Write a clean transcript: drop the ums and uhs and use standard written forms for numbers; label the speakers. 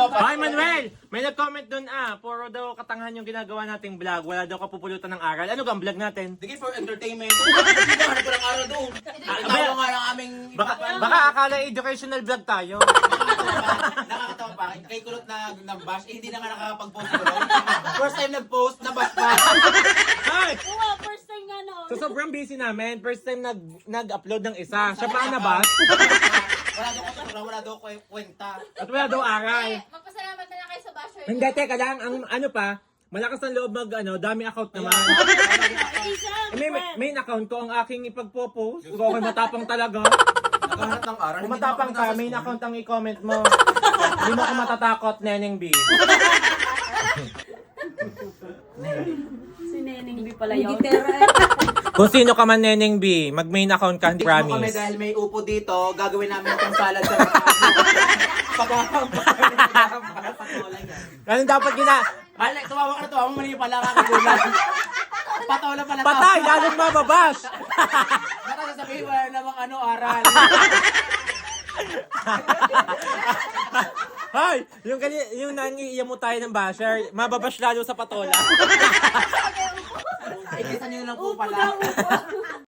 Speaker 1: Ay, Manuel! May nag-comment dun puro daw katangahan yung ginagawa nating vlog. Wala daw kapupulutan ng aral. Ano ang vlog natin?
Speaker 2: Sige for entertainment. Hindi hanap ko ng araw doon. Itawa nga ng aming...
Speaker 1: Baka akala educational vlog tayo.
Speaker 2: Nakakatawa pa. Kay Kulot na bash, hindi na nga nakakapag-post ko. First time nag-post, na-bash pa.
Speaker 1: Ay!
Speaker 3: Oo, first time nga noon.
Speaker 1: So sobrang busy namin. First time nag-upload ng isa. Siya pa nabas.
Speaker 2: Wala daw kwenta.
Speaker 1: At wala daw aral.
Speaker 3: Magpasalamat na lang kayo sa basher.
Speaker 1: Hindi, teka lang. Ang ano pa, malakas ang loob dami account naman. Main account ko ang aking ipagpo-post. Kung ako matapang talaga.
Speaker 2: Naghahanap ng aral.
Speaker 1: Kung matapang ka, main account ang i-comment mo. Hindi mo ako matatakot, Neneng B.
Speaker 3: Si Neneng B pala yun.
Speaker 1: Kung sino ka man, Neneng B, mag-main account ka,
Speaker 2: Kami
Speaker 1: promise.
Speaker 2: dahil may upo dito, gagawin namin itong salad sa
Speaker 1: Ano dapat
Speaker 2: Alek, tumawa ka na tumawa, mali pala kakagulan. Patola pala to.
Speaker 1: Patay! Lalong mababas!
Speaker 2: Baka sasabihin wala namang aral.
Speaker 1: Hoy! Yung nangiiya mo tayo ng basher, mababash lalo sa patola.
Speaker 2: Ikisan nyo lang po pala.